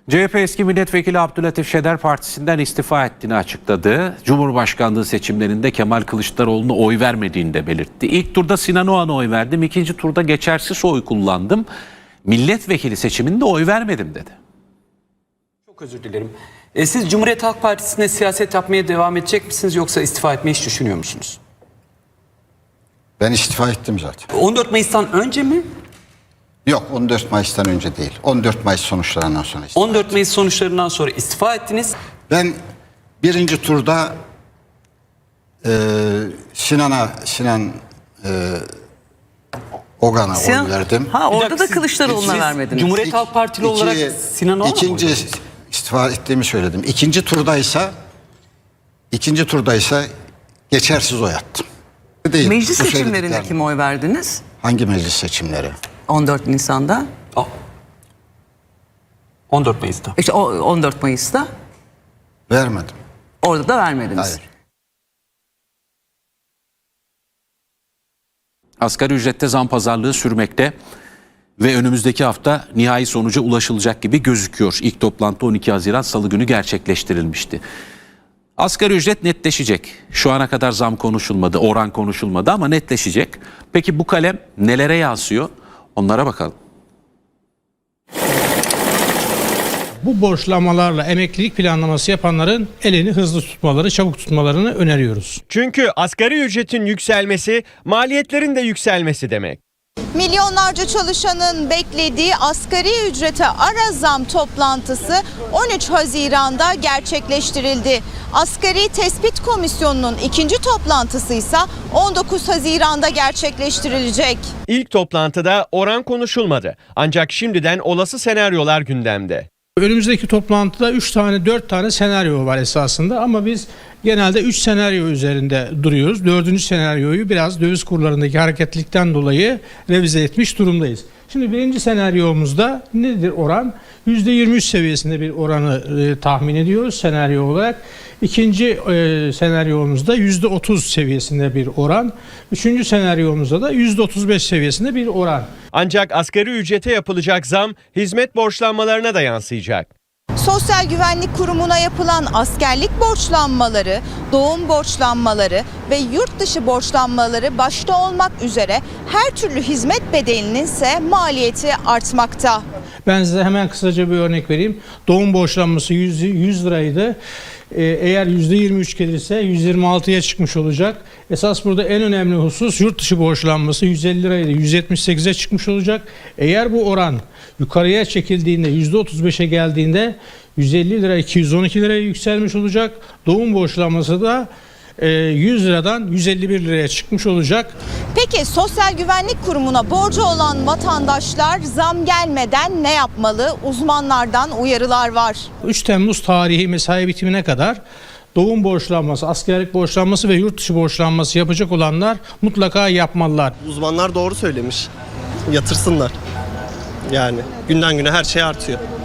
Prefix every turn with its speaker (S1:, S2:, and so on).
S1: CHP eski milletvekili Abdülatif Şener partisinden istifa ettiğini açıkladı. Cumhurbaşkanlığı seçimlerinde Kemal Kılıçdaroğlu'na oy vermediğini de belirtti. İlk turda Sinan Oğan'a oy verdim, ikinci turda geçersiz oy kullandım. Milletvekili seçiminde oy vermedim dedi.
S2: Çok özür dilerim. Siz Cumhuriyet Halk Partisi'nde siyaset yapmaya devam edecek misiniz yoksa istifa etmeyi hiç düşünüyor musunuz?
S3: Ben istifa ettim zaten.
S2: 14 Mayıs'tan önce mi?
S3: Yok, 14 Mayıs'tan önce değil. 14 Mayıs sonuçlarından sonra istifa
S2: 14 Mayıs sonuçlarından sonra istifa ettiniz.
S3: Ben birinci turda Sinan Ogan'a oy verdim.
S4: Orada da Kılıçdaroğlu'na vermediniz.
S2: Cumhuriyet Halk Partili olarak Sinan Oğan'a
S3: İkinci istifa ettiğimi söyledim. İkinci turdaysa geçersiz oy attım. Değil,
S4: Meclis seçimlerinde kime oy verdiniz?
S3: Hangi meclis seçimleri?
S4: 14 Nisan'da.
S2: 14 Mayıs'ta.
S4: İşte 14 Mayıs'ta.
S3: Vermedim.
S4: Orada da vermediniz.
S3: Hayır.
S1: Asgari ücrette zam pazarlığı sürmekte ve önümüzdeki hafta nihai sonuca ulaşılacak gibi gözüküyor. İlk toplantı 12 Haziran Salı günü gerçekleştirilmişti. Asgari ücret netleşecek. Şu ana kadar zam konuşulmadı, oran konuşulmadı ama netleşecek. Peki bu kalem nelere yansıyor? Onlara bakalım.
S5: Bu borçlanmalarla emeklilik planlaması yapanların elini hızlı tutmaları, çabuk tutmalarını öneriyoruz.
S6: Çünkü asgari ücretin yükselmesi maliyetlerin de yükselmesi demek.
S7: Milyonlarca çalışanın beklediği asgari ücrete ara zam toplantısı 13 Haziran'da gerçekleştirildi. Asgari Tespit Komisyonu'nun ikinci toplantısı ise 19 Haziran'da gerçekleştirilecek.
S6: İlk toplantıda oran konuşulmadı. Ancak şimdiden olası senaryolar gündemde.
S5: Önümüzdeki toplantıda 4 tane senaryo var esasında ama biz genelde 3 senaryo üzerinde duruyoruz. 4. senaryoyu biraz döviz kurlarındaki hareketlilikten dolayı revize etmiş durumdayız. Şimdi birinci senaryomuzda nedir oran? %23 seviyesinde bir oranı tahmin ediyoruz senaryo olarak. İkinci senaryomuzda %30 seviyesinde bir oran. Üçüncü senaryomuzda da %35 seviyesinde bir oran.
S6: Ancak asgari ücrete yapılacak zam hizmet borçlanmalarına da yansıyacak.
S7: Sosyal Güvenlik Kurumu'na yapılan askerlik borçlanmaları, doğum borçlanmaları ve yurt dışı borçlanmaları başta olmak üzere her türlü hizmet bedelinin ise maliyeti artmakta.
S5: Ben size hemen kısaca bir örnek vereyim. Doğum borçlanması 100 liraydı. Eğer %23 gelirse 126'ya çıkmış olacak. Esas burada en önemli husus yurt dışı borçlanması 150 liraydı 178'e çıkmış olacak. Eğer bu oran yukarıya çekildiğinde %35'e geldiğinde 150 lira 212 liraya yükselmiş olacak. Doğum borçlanması da 100 liradan 151 liraya çıkmış olacak.
S7: Peki Sosyal Güvenlik Kurumu'na borcu olan vatandaşlar zam gelmeden ne yapmalı? Uzmanlardan uyarılar var.
S5: 3 Temmuz tarihi mesai bitimine kadar doğum borçlanması, askerlik borçlanması ve yurt dışı borçlanması yapacak olanlar mutlaka yapmalılar.
S8: Uzmanlar doğru söylemiş. Yatırsınlar. Yani günden güne her şey artıyor.